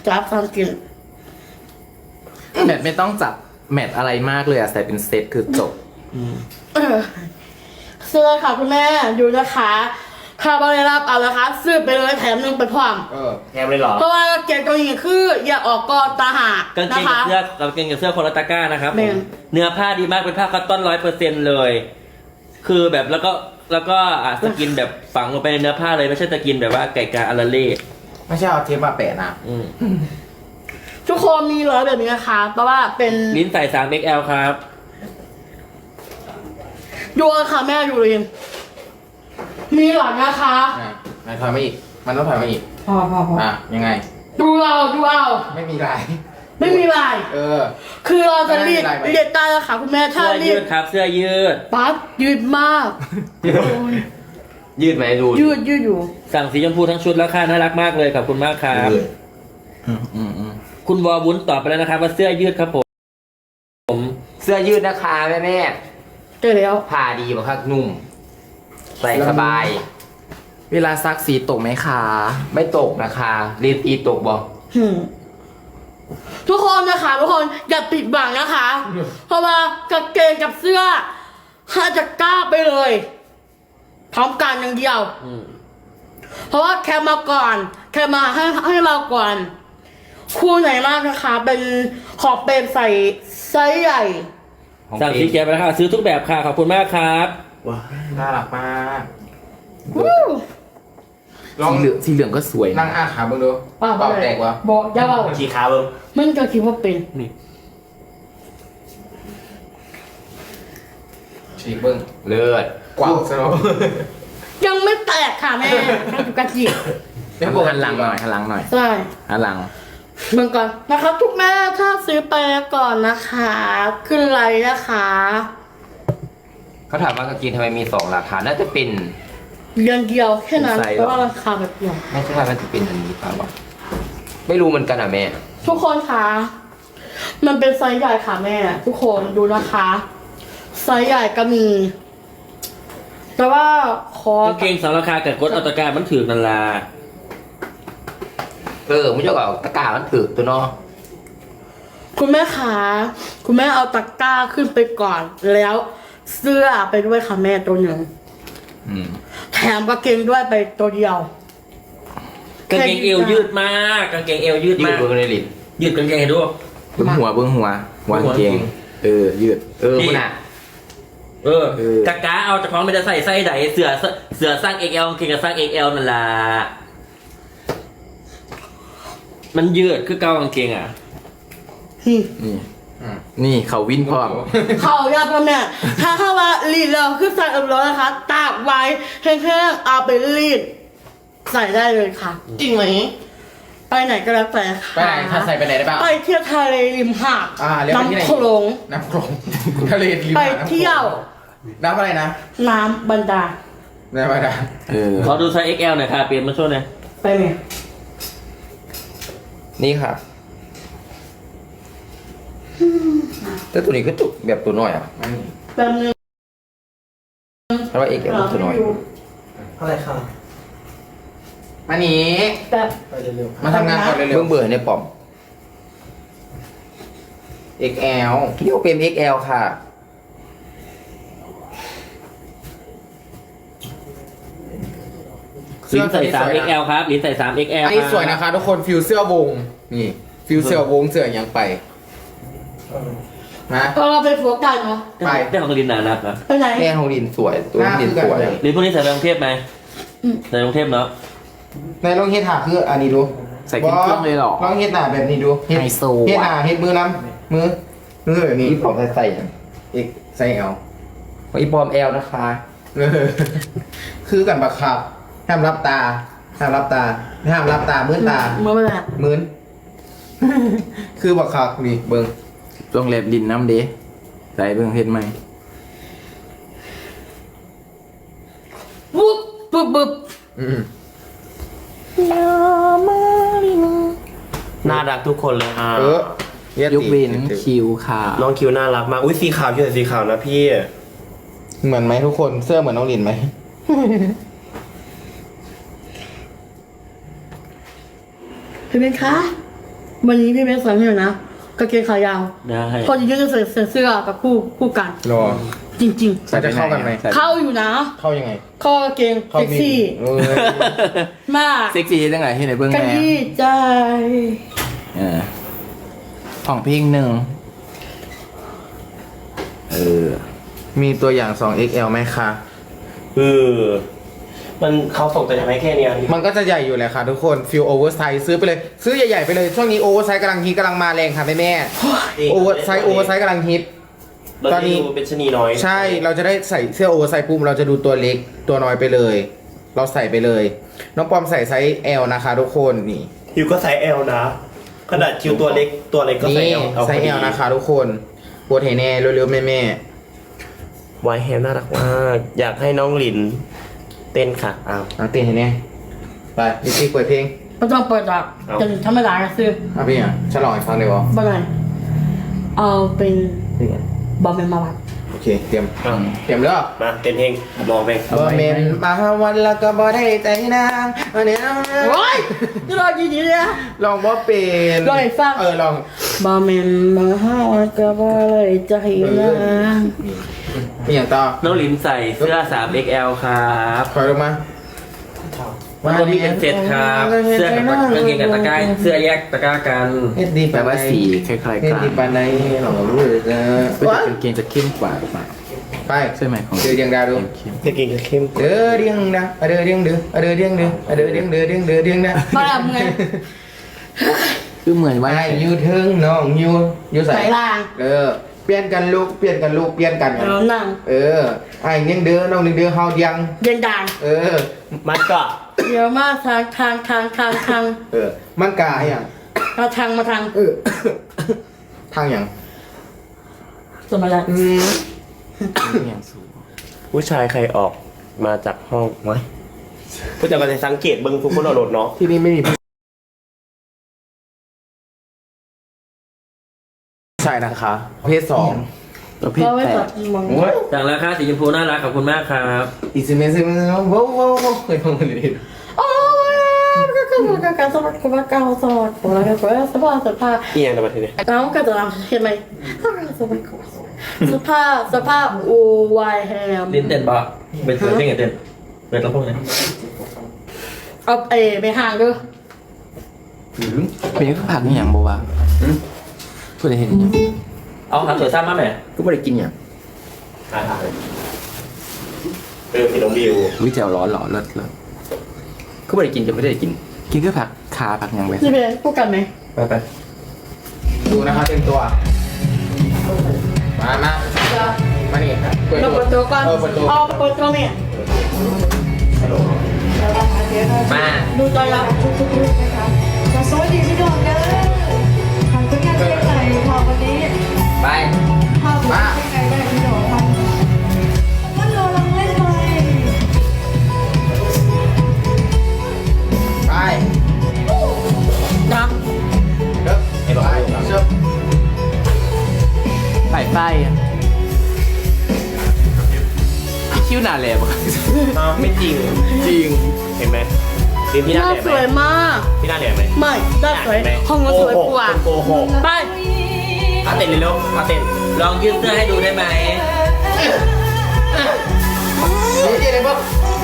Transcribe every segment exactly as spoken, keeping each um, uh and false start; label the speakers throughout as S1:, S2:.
S1: จับฟังกิน
S2: แมทไม่ต้องจับแมทอะไรมากเลยอะใส่เป็นเซตคือจบ
S1: เออเสื้อค่ะคุณแม่ดูนะคะถ้าไม่ได้รับเอานะคะซื้อไปเลยแถมหนึ่งไปพร้อม
S3: เออแฮมเลยเหรอ
S1: เพราะว่าเกงตัวนี้คืออย่าออกก่อนตาหาก
S4: างเก
S1: นะ
S4: ง
S1: คะ
S4: กับเสื้อกางเกงกับเสื้อคนละตะกร้านะครับ
S1: แม่
S4: ผมเนื้อผ้าดีมากเป็นผ้าคัตตอนร้อยเปอร์เซ็นต์เลย คือแบบแล้วก็แล้วก็อ่ะสกินแบบฝังลงไปในเนื้อผ้าเลยไม่ใช่สกินแบบว่าไก่กาอาราเล่
S3: ไม่ใช่เอาเทปมาแปะนะ
S4: อืม
S1: ทุกคนมีร้อยแบบนี้นะคะเพราะว่าเป็น
S4: ลิ้นใส่ สาม เอ็กซ์ แอล ครับ
S1: ดูค่ะแม่ดูเลยมีหลังนะคะ
S3: อ่ะไหนถอยมาอีก มันต้องถอยมาอีก
S1: พอพอพอ
S3: อ่ะยังไง
S1: ดูเอาดูเอา
S3: ไม่มีลาย
S1: ไม่มีลาย
S3: เออ
S1: คือเราจะรีด
S3: ไม่มีลายไหม
S1: เรียดได้แล้วค่ะคุณแม่ถ้า
S4: เสื้อ
S1: รี
S4: ยื
S1: ด
S4: ดครับ เสื้อยืด
S1: ปั๊บยืดมาก
S4: ยืดไหมดู
S1: ยืดยืดอยู่
S4: สั่งสีชมพูทั้งชุดแล้วค่ะน่ารักมากเลยขอบคุณมากครับ
S2: อืมอืมอืม
S4: คุณวอวุ้นตอบไปแล้วนะครับ ว่าเสื้อยืดครับผมผม
S5: เสื้อยืดนะคะแม่แม่
S1: เจอแล้ว
S5: ผ้าดีมากครับนุ่ม ใส่สบาย
S2: เวลาซักสีตกไหมคะ
S5: ไม่ตกนะคะรีดตีตกบอก
S1: หืมทุกคนนะคะทุกคนอย่าปิดบังนะคะ เพราะว่ากางเกงกับเสื้อห้าจะกล้าไปเลยพร้อมกันอย่างเดียว
S4: อืม
S1: เพราะว่าแค่มาก่อน แค่มาให้ให้เราก่อน คู่ไหนมากนะคะ เป็นขอบเป็นใส่ไซส์ใหญ่
S5: ของ
S4: สั่ง
S5: เอ
S4: สี
S5: ง
S4: เขียวไปแล้วค่ะซื้อทุกแบบค่ะขอบคุณมากครับ
S3: ว้าน่ารักมาก
S1: วู้
S3: ลอง
S2: สีเหลืองสีเหลืองก็สวย
S3: นั่งอ้าขาเบิ่งดู
S1: ป้า
S3: เป่าแตกวะ
S1: บอกอย่าเบา
S3: ขี่ขาเบิ่ง
S1: มันก็คิดว่าเป็น
S4: นี่
S3: ฉีกเบิ่ง
S5: เลือด
S3: กว้างซะเนาะ
S1: ยังไม่แตกค่ะแม่มันอยู่กระจิบ
S2: หันหลังหน่อยหันหลังหน่อย
S1: ใช่
S2: หันหลัง
S1: เบิ่งก่อนนะคะทุกแม่ถ้าซื้อไปก่อนนะคะ ขึ้นไลน์นะคะ
S5: เขาถามว่ากางเกงทำไมมีสองราคา น่าจะเป็น
S1: เดือนเดียวแค่นั้น
S5: ใส่หรอ
S1: เพราะว่าราคาแบบเดียว
S5: ไม่ใช่ว่ามันจะเป็นอันนี้เปล่าวะไม่รู้เหมือนกันอ่ะแม่
S1: ทุกคนคะมันเป็นไซส์ใหญ่ค่ะแม่ ทุกคนดูนะคะไซส์ใหญ่ก็มี แต่ว่าคอก
S4: างเกงสองราคากับกดอัตราการมันถือนันลา
S5: เออไม่ใช่ว่าตะกร้ามันถือตัวเนาะ
S1: คุณแม่คะคุณแม่เอาตะกร้าขึ้นไปก่อน แล้วเสื้อไปด้วยค่ะแม่ตัวหนึ่ง
S2: อืม
S1: แถมกางเกงด้วยไปตัวเดียว
S4: กางเกงเอวยืดมากกางเกงเอวยืด
S5: ยื
S4: มา
S5: ด
S4: ก
S5: เบิ่งในลิ้น
S4: ยืดกางเกงให้ดู
S2: เบื้องหัวเบื้องหัววางเกง เออ ยืด
S5: เออมันอ่ะ
S4: เออ
S2: เออ
S4: กะกะเอาจากของไม่ได้ใส่ไส้ใดเสือเสือสร้าง เอ็กซ์ แอล กางเกงกับสร้าง เอ็กซ์ แอล นั่นล่ะมันยืดคือเกากางเกงอ่ะ
S1: นี่
S2: นี่นี่เขาวินพร้อม
S1: เขายาพ่อแม่ถ้าเข้าว่ารีดแล้วคือใส่เอ็มร้อยนะคะ ตากไว้แห้งๆเอาไปรีด ใส่ได้เลยค่ะ
S3: จริงไหม
S1: ไปไหนก็แล้วแต่ค่ะ
S3: ไปไหนถ้าใส่ไปไหนได้บ้าง
S1: ไปเที่ยวทะเลริมหาด
S3: อ่าเรียกไปที่ไหน
S1: น้ำโขลง
S3: น้ำโขลงทะเลริม
S1: ไป
S3: หาดน้ำโขลง
S1: เที่ยว
S3: น้ำอะไรนะ
S1: น้ำบันดาล
S3: น้ำอะไรนะ
S2: เออ
S4: ขอดูไซส์ เอ็กซ์ แอล หน่อยค่ะเปลี่ยนมาช่วยหน่อย
S1: ไปไหม
S5: นี่ค่ะแต่ตัวนี้ก็จุกแบบตัวน้อยอ่ะ
S3: อันนี้
S1: แป๊บนึง
S5: เพราะว่าเอกเอลตัวน้อย
S3: อะไรครับอันนี้
S1: แบบ
S3: มาทำงานก่อนเร็
S5: เบื้
S3: ว
S5: องเบื่อในป่อม
S3: ๆ เอ็กซ์ แอล
S5: เรียกว่าเป็น เอ็กซ์ แอล ค่ะ
S4: ลิ้นใส่ สาม เอ็กซ์ แอล ครับลิ้นใส่ สาม เอ็กซ์ แอล
S3: อันนี้สวยนะคะทุกคนฟิวเสื้อวง นี่ ฟิวเสื้อวงเสื้อยังไปนะ
S1: พอเราไปโฟกัสเนาะ
S3: ไป
S4: ได้ของลินหนานักนะ
S1: ไปไหน
S5: แม่ของดินสวย ตัวดินสวย
S4: ลินพวกนี้ใส่ไปกรุงเทพไหม
S1: อืม
S4: ใส่กรุงเทพเนาะ
S3: ในลองเฮ็ดหาคืออันนี้ดู
S2: ใส่เครื่องๆเลยเหรอ
S3: ลองเฮ็ดหน้าแบบนี้ดูเฮ็ด
S2: ไฮโซ
S3: เฮ็ดห
S2: อะ
S3: น้าเฮ็ดมือน้ำมือมือแบบนี้
S5: นี่ปอมใส่ๆอย่าง
S3: เอ็กใส่เอล
S5: ของอีปอม แอล นะคะ
S3: เออคือกันบักคับห้ามรับตาห้ามรับตาห้ามรับตามื้นตา
S1: เมื่อเวลา
S3: มื้น คือบักคับนี่เบิ่ง
S2: โรงแรมดินน้ำเด้ใส่เบื้องเห็นไหม
S1: วุบบึบบึบ
S3: อืม
S6: น่ารักทุกคนเลยอ่ะ
S3: เออเฮ็ด
S2: ยกเว้น
S3: ติ
S2: คิวค่ะ
S6: น้องคิวน่ารักมาก อุ้ยสีขาวพี่ใส่สีขาวนะพี่
S3: เหมือนไหมทุกคนเสื้อเหมือนน้องลินไหม
S1: เห็นไหมคะวันนี้พี่เบสใส่ให้หน่อยนะกางเกงขายาว
S4: ได้
S1: พอจริงๆจะใส่ใส่เสื้อกับคู่คู่กัน
S3: รอ
S1: จริง
S3: มันจะเข้ากันไหม
S2: ใส่
S1: ๆ เข้าอยู่นะ
S3: เข้ายังไง
S1: เข้ากางเกง
S3: เข้า
S1: เซ็กซี่
S3: เออ
S1: มาก
S2: เซ็กซี่จังไงที่ไหนเบื้อง
S1: กัน
S2: แม่
S1: ที่ใจ
S2: เออของพิงหนึ่งเออ
S3: มีตัวอย่าง สอง เอ็กซ์ แอล ไหมคะ
S6: เออมันเขาส่งแต่ทำให้แค่เนี้ย
S3: มันก็จะใหญ่อยู่แหละค่ะทุกคนฟิลโอเวอร์ไซส์ซื้อไปเลย ซื้อใหญ่ๆไปเลย ช่วงนี้โอเวอร์ไซส์กำลังฮิตกำลังมาแรงค่ะแม่แม่โอเวอร์ไซส์โอเวอร์ไซส์กำลังฮิต
S6: ต
S3: ต
S6: อ
S3: อน น
S6: นี้
S3: นี้
S6: เป็นชะนีน้อย
S3: ใช่ เราจะได้ใส่เสื้อโอเวอร์ไซส์ปุ๊บเราจะดูตัวเล็กตัวน้อยไปเลย เราใส่ไปเลย น้องปอมใส่ไซส์ L นะคะทุกคนนี่
S6: คิวก็ไซส์ L นะ ขนาดคิวตัวเล็กตัวเล็กก็ไซส์
S3: นี่
S6: L เอา
S3: ไซส์ L นะคะทุกคนปวดเห็นแน่เร็วๆแม่แม่
S6: ไวแฮมน่ารักมากอยากให้น้องหลินเต้นค่ะอ้าว
S3: ๆน้องเต้นเห็นแน่ไปดิซี่เปิดเพลง
S1: ไม่ต้องเปิดหรอก
S6: เอา
S1: จะธรรมดาซื้อ
S3: เอาพี่อ่ะฉลองอีกครั้งเลยวะ
S1: บ้านไหนเอาเป็นบอมเมนมาวัด
S3: โอเคเตรียม
S6: อ้าว
S3: เตรียมเด้อ
S6: มาเต้นเพลงมองเพลง
S3: บ่เมนมาวันแล้วก็บ่ได้ใจนางวันนี้
S1: โอ้ยจะรอจีจีเลยนะ
S3: ลองบ่เป็น
S1: ลองให้ฟัง
S3: เออลอง
S1: บอมเมนมาห้าวก็บ่เลยใจนะ
S3: มีอย่างต่อ
S4: น้องลินใส่เสื้อ สาม เอ็กซ์ แอล ครับ
S3: คอยลงมา
S4: มันก็มีเป็นเซตครับ เสื้อกับกางเกงกับตะกร้าเสื้อแยกตะกร้ากัน
S3: เฮ็ดดี
S2: แปลว่าสีคล้ายๆ
S3: เฮ็ด
S2: กัน
S3: ดีปานใดเราก็รู้เลยนะ
S2: ก็จะเป็นเกงจะเข้มกว่าหรือเปล่า
S3: ไป
S2: ใช่ไหมของ
S3: เดือดยังดาวดู
S2: เข้ม
S6: เด็กกินกับเข้ม
S3: เดือดยังดาเดือดยังดือเดือดยังดือเดือดยังดือเดือดเดือดยังดา
S1: มาแล้วไง
S2: คือเหมือนว่า
S3: ไอ้ยูเทิงน้องยูยูใส่
S1: ใส่ล่าง
S3: เออเปลี่ยนกันลูกเปลี่ยนกันลูกเปลี่ยนกันกัน
S1: เอานั่ง
S3: เออไอ้ยังเดือน้องยังเดือเฮายัง
S1: เย็นด่าง
S3: เออ
S6: มันก็
S1: เดี๋ยวมาทางทางทางทางทาง
S3: เออมันกาอย่าง
S1: มาทางมาทาง
S3: เออ ทางอย่าง
S1: สมัยนั้น
S3: อืม
S2: อย่างสูง
S6: ผู้ชายใครออกมาจากห้องไว้ผู้จัดการจะสังเกตเบิ้งทุกคนเอาโหลดเนาะ
S3: ที่นี่ไม่มีใช่นะคะ เพศสอง
S2: ตัวเพศ
S1: เราไม่
S2: แป
S1: ตั
S2: ด
S1: ดมอง
S3: โอ้ย
S4: สั่งราคาสีชมพูน่ารักขอบคุณมากครับ
S3: อีซิเมซิเมซิโว้โว้โว้เคยฟังกันดิ
S1: โอ้ยก็ก็ก็การสมัครกับการสมัครอะไรกันก็สภาพสภาพ
S6: อีหยังนะประเทศนี้
S1: น้องก็จะเห็นไหมสภาพสภาพอูวายแฮม
S4: ลินเต้นปะเป็นเต้นเต้นเต้นเป็นลำโพงเนี่ย
S1: เอาเอไปห่างด้วย
S2: เป็นข้าวผักนี่อย่างบัวะพูดอะไรเห็นอย่าง
S4: เอาครับสวยซ้ำมาไหม
S2: ก็ไม่ได้กินอย่าง
S6: อ่าเออพี่น้องดิว
S2: วิจารร้อนหล่อเลิศเลิศก็ไม่ได้กินจะไม่ได้กิน กินแค่ผักขาผักอย่างไป
S1: นี่เป็นพูดกันไหม
S2: ไปไป
S3: ดูนะคะเต็มตัว มามามานี่เปิด
S1: เรา
S3: ตัว
S1: เปิดตัวก่อน
S3: เออเปิดตัว
S1: เอาเปิดตัวเนี่ย
S2: มา
S1: ดูใจเรา
S7: สวัสดีพี่น้องเด้อทำก็แค่เท่ไหนพอวันนี้
S2: ไป
S7: ทำไม่ไงได้พี่น้องทำมันรอลังเล่นเลย
S3: ไป
S1: นะ
S3: เด้อไปเชิญ
S2: ไปไปอะคิ้วหนาแหลมอะ
S6: อ้าวไม่จริง
S2: จริง
S6: เห็นไหมดินพี่
S1: ห
S6: หน้า
S1: น้า
S6: แหลม
S1: ส
S6: ไหม
S1: วยมาก
S6: พี่หน้าแหลมไหม
S1: ไม่หน้าสวยห้องก็สวยกว่า
S6: โกหก
S1: ไป
S6: เอาเต้นเร็วๆเอาเต้น
S4: ลองยืดเสื้อให้ดูได้ไหม
S3: นี่เจ๊เลยปุ๊บ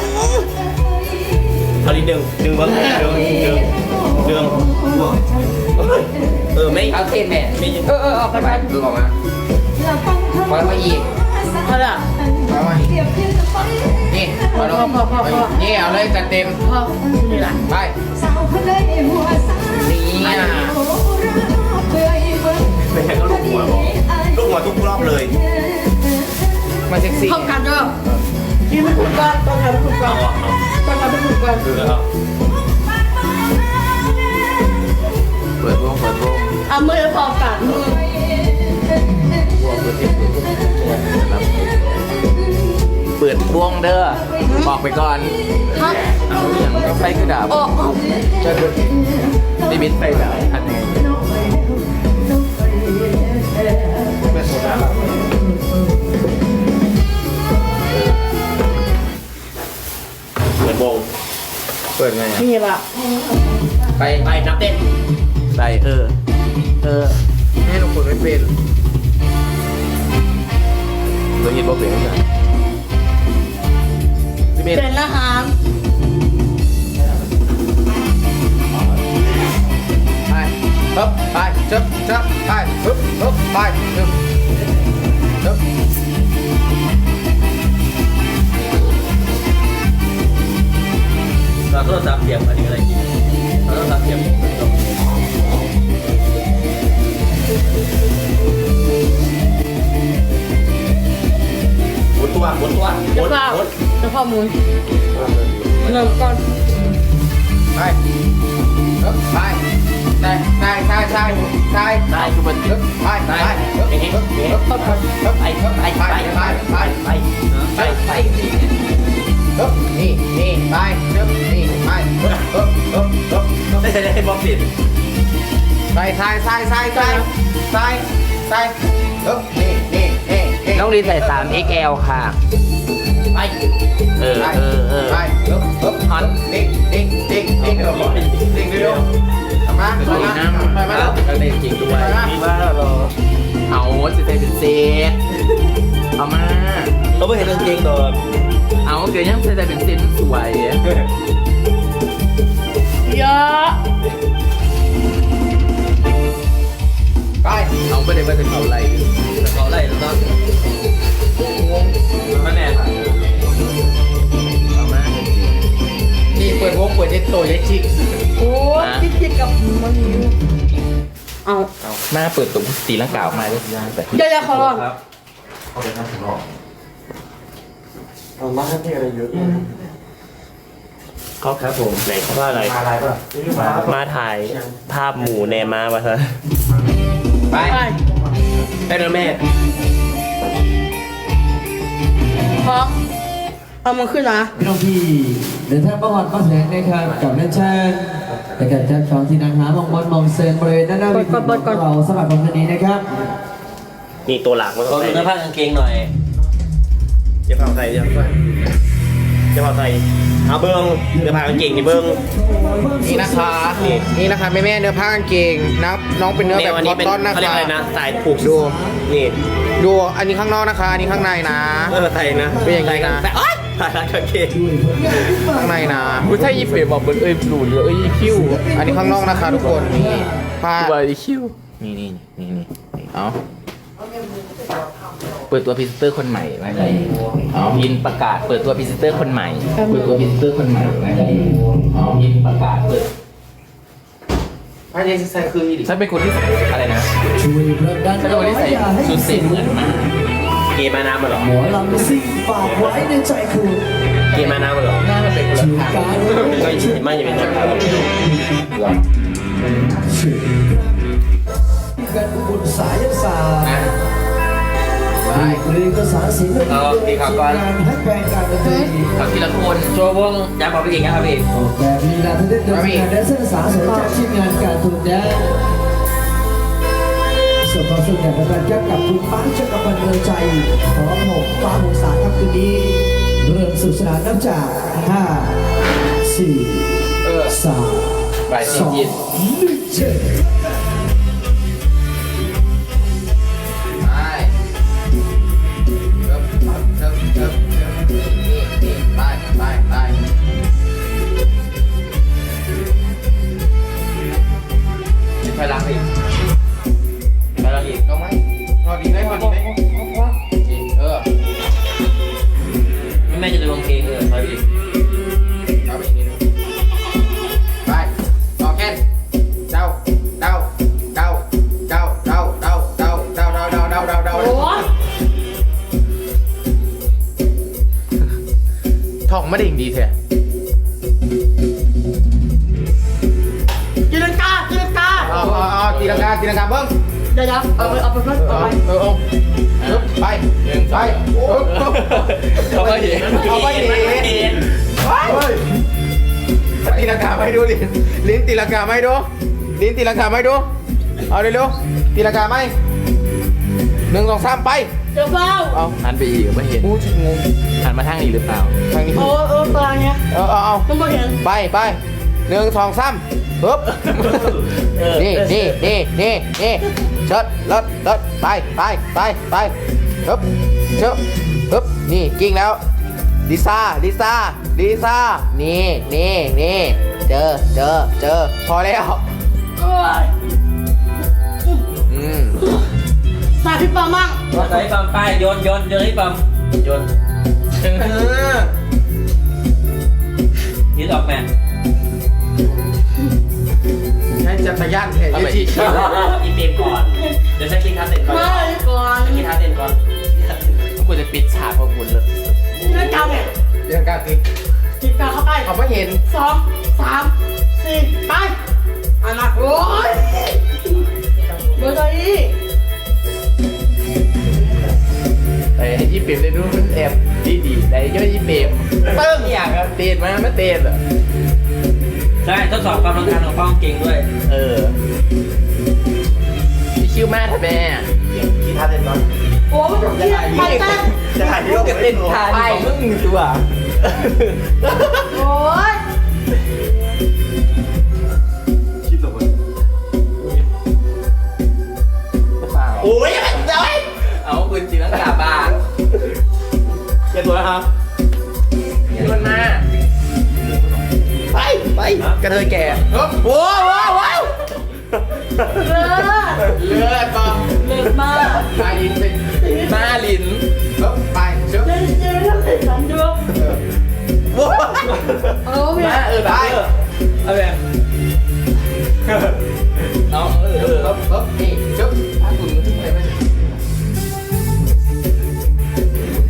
S6: เอานิดนึงดึงเบิ้งดึงดึงดึงเออไม่
S2: เอาเส้นแม่
S6: ไม่
S1: เออเออออกไปไป
S2: ดูออกมา
S7: อยากฟังเธอ
S2: พอมาอีก
S1: เอาละ
S3: มามา
S7: เปรียบเทียบกับฝัน
S2: นี่
S1: พอพอพอพอพอ
S2: นี่เอาเลยจัดเต็ม
S1: พอนี่แหละ
S2: ไป
S7: สาวคนใดหัวสาย
S2: นี่อ่ะ
S7: โอ้รักเบื่ออีเบิ้ง
S6: ไม่ใช่ก็ลูกหัวบอกลูกหัวทุกรอบเลย
S3: มาเซ็กซี่
S1: พบกันเด้อที่ไม่ถูกกันต้องทำให้ถูกกันต้องทำให้ถูกกัน
S2: เปิดวงเปิดวง
S1: เอามือพอกันมือ
S2: เปิดวงเด้อบอกไปก่อน
S1: ฮะ
S2: เอาอย่างไฟกระดาษ
S1: โอ้โอ้
S2: ไม่บิดไฟดาบทำยังไง
S6: เหมือนวง
S3: เปิดไงอ่ะ
S1: นี่ละ
S2: ไป
S6: ไปนับเต้น
S2: ไปเออ
S3: เชิบเชิบไปฮึบฮึบไปฮึบฮึบ
S4: เราโทรศัพท์เสียบอันนี้อะไรกินเราโทรศัพท์เสียบ
S6: หมุนตัวหมุนตัวห
S1: เดี๋
S6: มุ
S1: ยวน เปล่า
S6: หมุน
S1: เดี๋ยวพ่อหมุนเริ่มก่อน
S3: ไปฮึบไปใช่ใช่ใช่ใช่ใช่
S5: ได้คือมัน
S3: ฮึบไปไปฮึบฮึบฮึบฮึบฮึบ
S5: ไปไปไปไปไปไปไปไปไป
S3: ฮึบนี่นี่ไปฮึบนี่ไปฮึบฮึบฮึบฮึบฮึบ
S6: ได้ได้ได้บอมสิ
S3: ไปใช่ใช่ใช่ใช่ใช่ใช่ฮึบนี่นี่นี่นี่
S5: น้องลินใส่ สาม เอ็กซ์ แอล ค่ะ
S3: ไป
S5: เออ
S3: ไป
S5: เออเออ
S3: ไปฮึบฮึบฮันดิ้งดิ้งดิ้งดิ้งเร็วดิ้งเร็วมาไปมาไปมาแล้ว
S2: ก็เลยจริงด้วย
S3: ไปมา
S6: มีว่าเรา
S2: เอาสิใส่เป็นเซตเอามา
S6: เราไม่เห็นกางเกงดอก
S2: เอาเกิดยังใส่เป็นเซตสวย
S1: เยอะ
S3: ไป
S2: เอาไปเลยไปถึงเอาอะไร
S4: เราไล่แล้วก็
S3: งง
S4: พ่อแม่ค่ะ
S2: เอามา
S3: นี่เปิดวงเปิดเย็ดโตเย็ดชิก
S1: โอ้จิ๊กจิ๊กกับมันอยู่เอา
S2: มาเปิดตุ้มตีลังกาออกมาด้วยย่างไป
S1: เดี๋ยวเดี๋ยวขอลอง
S4: ครับ
S6: เขาครับผมไหนเขาว่าอะไรมาถ่ายภาพหมูแนมามาซะ
S3: ไป
S1: ไป
S6: ได้แล้วแม่
S1: พร้อมเอามันขึ้นนะ
S8: พี่น้องพี่เดินทางประวัติมาแถลงนะครับกับนันเชิญและกับท่านชองที่นั่งหามองบอลมองเซินบริเวณด้านหน้าเวิธีของเราสำหรับวันนี้นะครับ
S6: นี่ตัวหลักมัน
S4: ข
S6: ต้
S4: อ
S6: อง
S4: ดู
S6: ใส่
S4: เนื้อผ้ากางเกงหน่อย
S6: จะพาใส่จะพาจะพาใส่เอาเบิ้งเดี๋ยวพากางเกงนี่เบิ้ง
S3: นี่นะคะนี่นี่นะคะแม่แม่เนื้อผ้ากางเกงนะน้องเป็นเนื้อแบบ
S6: วั
S3: คอต
S6: เป็น
S3: ตอนนะ
S6: เขาเรียก
S3: คะ
S6: อะไรนะสายผูก
S3: ดู
S6: นี่
S3: ดูอันนี้ข้างนอกนะคะ อันนี้ข้างในนะ
S6: เออใส่นะ
S3: เป็นอย่างนี้นะ
S6: ใส่โอ๊ยผ่านกางเกง
S3: ข้างในนะ
S2: อุ้ยถ้าอีเฟย์บอกเบิร์ดเอ้ยหลุดเลยเอ้ยอีคิว
S3: อันนี้ข้างนอกนะคะทุกคนนี่ผ้า
S2: ตัวอีคิวนี่นี่นี่นี่เอาเปิดตัวพรีเซนเตอร์คนใหม่ไว้เลยเอายินประกาศเปิดตัวพรีเซนเตอร์คนใหม่เปิดตัวพรีเซนเตอร์คนใหม่ไว้เลยเอายินประกาศเปิด
S3: ผ้าเย็นใส่คืออีดิ
S2: ฉันเป็นคนที่อะไรนะ
S8: ช่วยเริ่มด้าน
S2: ฉันเป็นคนที่ใส่ชุดเซ็ตเหมือนมาก
S6: เกมาน้ำมาหรอ
S8: หมอลำซิ่งฝากไว้ในใจคุณ
S6: เกมาน้ำมาหรอ
S2: หน้ามันเป็นคนละ
S8: ถึง
S2: ทาง
S8: การ
S6: ก็ยิ่งไม่จะเป็นน้ำตาล
S8: ชื่อกันบุญสายศาสตร์หรือภาษาศิลป์การให้แปลงการดนตรี
S2: เอาทีละคน
S4: โชว์วงยาบอกพี่เก่งนะครับพี่
S8: ออกแบบลีลาที่ได้เดินงานและเส้นสาสนจากทีมงานการทุนแดนส่วนความสุขอย่างไรแก้กับคุณป้าจักรพันธ์เมืองใจขอผมฟ้าหงสาครับคืนนี้เริ่มสุดสนานนับจากห้าสี่สาม
S2: บ่าย
S8: ส
S2: สี่
S8: อง
S2: ยิน
S8: หนึ่งเจ็ด
S3: ไปเริ่มเริ่มเริ่มเริ่มนี่นี่ไปไปไป
S2: ไปรักอีกไปรักอีก
S3: ลงไหมพอดีไหมพอดีไหมเออ
S4: แม่จะดูกางเกงเออไปพี่
S3: เอาไปอีกนิดนึงไปต่อแค่นเดาเดาเดาเดาเดาเดาเดาเดาเดาเดาเดาเดาเดา
S1: โอ้
S3: ท่องไม่ได้อย่างดีแท้
S1: จินตนาการจินตนาการ
S3: เอาเอาเอาตีลังกาตีลังกาเบิ้ง
S1: เดี๋ยวเดี๋ยวเอาไปเอาไปเพิ่ม
S3: เอ
S1: เอา
S3: อ
S1: ไป
S3: เออเอาเออไปไปโอ้
S2: เขาไม่เห็น
S3: เอาไปดิตีลังกาไม่ดูลิ้นลิ้นตีลังกาไม่ดูลิ้นตีลังกาไม่ดูเอาเร็วๆตีลังกาไม่หนึ่งสองสามไป
S1: เดี๋ยวเฝ้า
S3: เอา
S2: หันไปอีกไม่เห็น
S3: อู้งง
S2: หันมาทางนี้หรือเปล่า
S3: ทางนี้
S1: โอ้เออตารางเนี้ย
S3: เออเอาเอา
S1: มันไม่เห็น
S3: ไปไปหนึ่งสองสามฮึบนี่นี่นี่นี่นี่เชิดเลิศเลิศไปไปไปไปฮึบเชิดฮึบนี่กิ้งแล้วลิซ่าลิซ่าลิซ่านี่นี่นี่เจอเจอเจอพอแล้ว
S1: โอ้ย
S3: อืม
S1: ตาพี่ปอมั่ง
S4: ใส่ปั๊มป้ายโยนโยนโยนให้ปั๊มโยนยืดออกแม่
S3: งั้นจะประหยัดเหตุที่ชอบ
S4: อีเปมก่อน เดี๋ยวฉันกินข้าวเสร็จก่อน
S1: มาเลยก่อน
S4: กินข้าวเสร็จก่อน
S2: กูจะปิดฉากพวกคุณเลย
S1: เรื่องกรรมเนี่ย
S3: เรื่องการติด
S1: จิบกาเข้าไป
S3: เขาไม่เห็น
S1: สองสามสี่ไปอันนั้นโอ้ยเบอร์ตัวนี้
S2: ไอ้ยี่เปมได้ดูมันแอบดีดีๆแต่ย่อยยี่เปมเติ้งอย่างอะเตนมาไม่เตนอ่ะ
S4: ใช่ทดสอบความทนทานของป้องเก่งด้วย
S2: เออพี่คิวมาทำไมอ่ะ
S6: กินท่าเต้นก่อน
S1: โอ้ยมันเกลียดไปเต้น
S6: จะถ่ายที่โลก
S2: เต้นทานของมึงตัว
S1: โอ้ย
S6: คิดตัว
S2: เปล่า
S6: โอ้ยจะไป
S2: เอาคุณจีนังกาบ้า
S6: เจ็บตัวแล้วครับ
S2: พี่มันมา
S6: ไปไปกระเทยแก่
S3: โอ้โหว้าวว้าว
S1: เลิศ
S3: เลือดปอ
S1: เลิศมาก
S3: ไปลินเป็น
S2: มาลิน
S3: เฮ้ยไปเชื่อ
S1: เล่นเจอเรื่องสันด้วย
S6: ว้า
S1: เออเมีย
S2: มาเออ
S3: ไป
S2: เอาแบบ